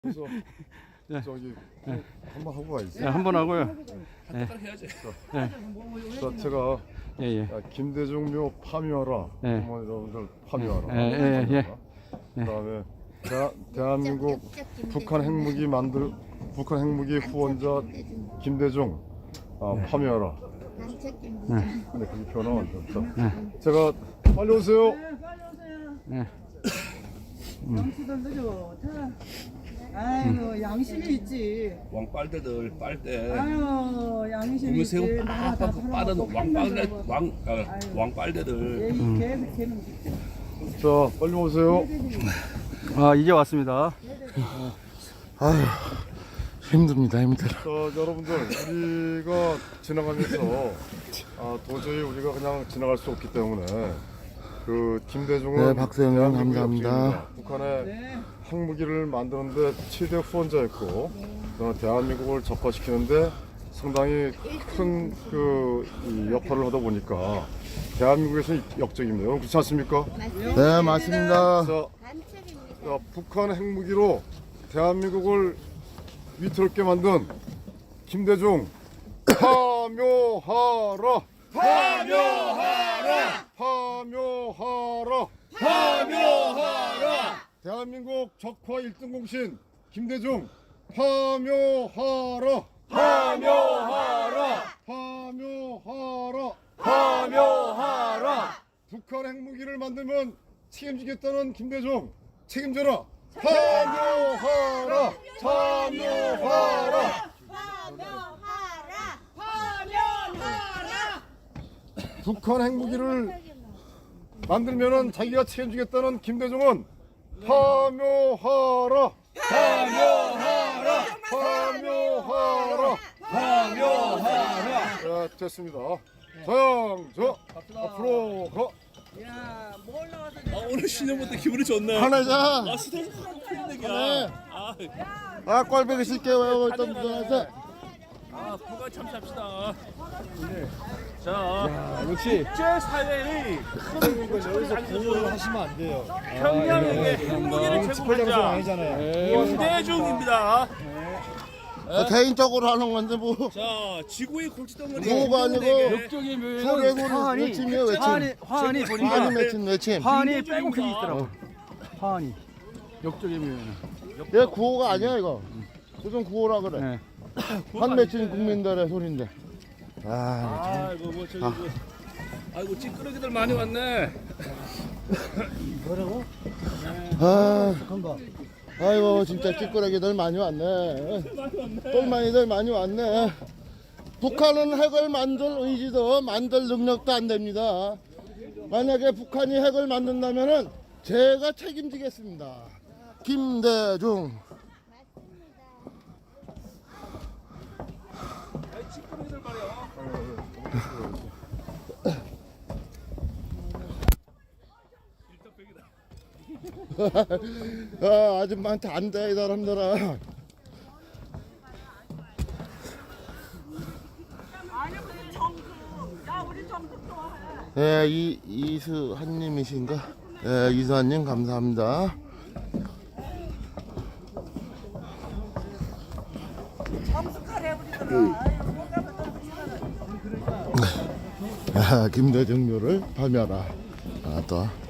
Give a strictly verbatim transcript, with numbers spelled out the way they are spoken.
그래서 저기 네. 한번 하고 가야지. 네, 한번 하고요. 네. 해야지. 자, 자, 제가 예, 예. 야, 김대중 묘 파묘하라. 네. 어머니 여러분들 파묘하라. 예, 예, 예. 그다음에 대, 대한민국 북한 핵무기 만들 북한 핵무기 후원자 김대중 아, 파묘하라. 네. 근데 그게 변화 안 돼. 제가 빨리 오세요. 네, 빨리 오세요. 네. 양치들 늦어. 자, 아이고 양심이 있지. 왕빨대들 빨대. 아유 양심이 보면 있지. 새우 나라 다 빡빡 빠른 살아먹고 왕빨대 판단하고. 왕 아, 아유. 왕빨대들. 얘 음. 걔 걔는 자, 빨리 오세요. 아, 이제 왔습니다. 아휴, 힘듭니다, 힘들어. 자, 여러분들, 우리가 지나가면서 아, 도저히 우리가 그냥 지나갈 수 없기 때문에 그 김대중은 네, 박수영 형 감사합니다. 역주행입니다. 북한의 네. 핵무기를 만드는데 최대 후원자였고 어, 대한민국을 적화시키는데 상당히 큰 그 역할을 하다 보니까 대한민국에서 역적입니다. 여러분 그렇지 않습니까? 네, 맞습니다. 자, 자, 북한 핵무기로 대한민국을 위태롭게 만든 김대중 파묘하라! 파묘하라! 파묘하라! 파묘하라! 대한민국 적화 일 등 공신 김대중 파묘하라! 파묘하라! 파묘하라! 파묘하라! 북한 핵무기를 만들면 책임지겠다는 김대중 책임져라! 파묘하라! 파묘하라! 북한 핵무기를 만들면은 자기가 책임지겠다는 김대중은 파묘하라! 파묘하라! 파묘하라! 파묘하라! 자, 됐습니다. 자양저 앞으로 가. 야, 뭐 올라와서 아, 오늘 신년부터 기분이 좋네. 하나자. 아, 스트레스 풀리는 얘기야. 아, 아, 꼴배기 쓸게요. 일단 무전해서. 아, 부가 참시합시다. 자, 야, 역시 국제 사회의 큰 여기서 공헌을 하시면 안 돼요. 평양에게 핵무기를 제공한 자 김대중입니다. 아, 개인적으로 하는 건데 뭐. 자, 지구의 골칫덩어리 구호가 아니고 역적의 묘에는 소래군 화환이, 외침이에요, 외침. 화환이, 화환이 보니까 화환이 외침, 외침. 화환이 빼곡히 있더라고. 화환이. 역적의 묘에는. 얘 구호가 아니야, 이거. 무슨 구호라 그래. 네. 한 맺힌 국민들의 소리인데. 아, 아이고 뭐 저기 뭐 아이고 찌끄러기들 많이 왔네. 아, 아이고, 진짜 찌끄러기들 많이 왔네. 똘마니들 많이 왔네. 북한은 핵을 만들 의지도 만들 능력도 안 됩니다. 만약에 북한이 핵을 만든다면은 제가 책임지겠습니다. 김대중. 찌끄러기들 말이야. 아, 아줌마한테 안 돼, 이 사람들아. 아니 우리 정크. 야, 우리 정크 좋아해. 예, 이, 이수한님이신가? 예, 이수한님 감사합니다. 정숙하래 우리들은. 아유, 뭔가 또 아, 김대중 묘를 파묘하라. 아, 또.